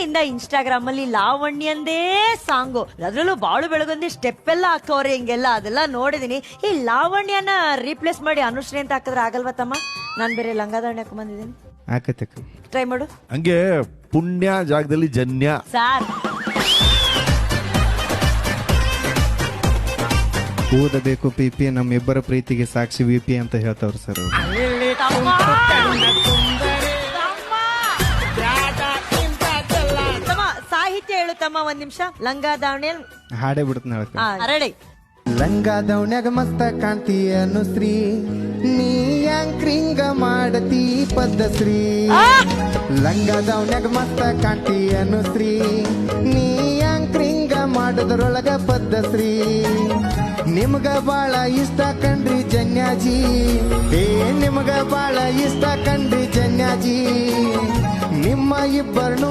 ನಿನ್ನೆಯಿಂದ ಇನ್ಸ್ಟಾಗ್ರಾಮ್ ಅಲ್ಲಿ ಲಾವಣ್ಯಂದೇ ಸಾಂಗು, ಅದ್ರಲ್ಲೂ ಬಾಳು ಬೆಳಗೊಂದಿ ಸ್ಟೆಪ್ ಎಲ್ಲ ಹಾಕೋರಿ ಹಿಂಗೆಲ್ಲ, ಅದೆಲ್ಲ ನೋಡಿದೀನಿ. ಈ ಲಾವಣ್ಯನ ರೀಪ್ಲೇಸ್ ಮಾಡಿ ಅನುಶ್ರೀ ಅಂತ ಹಾಕಿದ್ರೆ ಆಗಲ್ವಾ ತಮ್ಮ? ನಾನ್ ಬೇರೆ ಲಂಗಾದಾವಣಿ ಹಾಕೊಂಡ್ ಬಂದಿದ್ದೀನಿ, ಆಕತಕ್ಕ ಟ್ರೈ ಮಾಡು. ಹಂಗೆ ಪುಣ್ಯ ಜಾಗದಲ್ಲಿ ಜನ್ಯ. ಸಾರ್ ಓದಬೇಕು ಪಿಪಿ, ನಮ್ಮಿಬ್ಬರ ಪ್ರೀತಿಗೆ ಸಾಕ್ಷಿ ವಿಪಿ ಅಂತ ಹೇಳ್ತಾವ್ರು ಸರ್ ಅವ್ರು. ತಮ್ಮ ಸಾಹಿತ್ಯ ಹೇಳು ತಮ್ಮ, ಒಂದ್ ನಿಮಿಷ. ಲಂಗಾದಾವಣಿ ಹಾಡೇ ಬಿಡ್ತಾನೆ ಹೇಳಕ್ಕ. ರೆಡಿ. ಲಂಗಾದವನ್ಯಾಗ ಮಸ್ತ ಕಾಣ್ತಿ ಅನುಶ್ರೀ, ನೀ ಯಾಂಕ್ರಿಂಗ ಮಾಡತಿ ಪದ್ಧಶ್ರೀ. ಲಂಗಾದವನ್ಯಾಗ ಮಸ್ತ ಕಾಣ್ತಿ ಅನುಶ್ರೀ, ನೀ ಯಾಂಕ್ರಿಂಗ ಮಾಡೋದ್ರೊಳಗ ಪದ್ಧಶ್ರೀ. ನಿಮ್ಗ ಬಾಳ ಇಷ್ಟ ಕಂಡ್ರಿ ಜನ್ಯಾಜಿ, ನಿಮ್ಗ ಬಾಳ ಇಷ್ಟ ಕಂಡ್ರಿ ಜನ್ಯಾಜಿ. ನಿಮ್ಮ ಇಬ್ಬರನು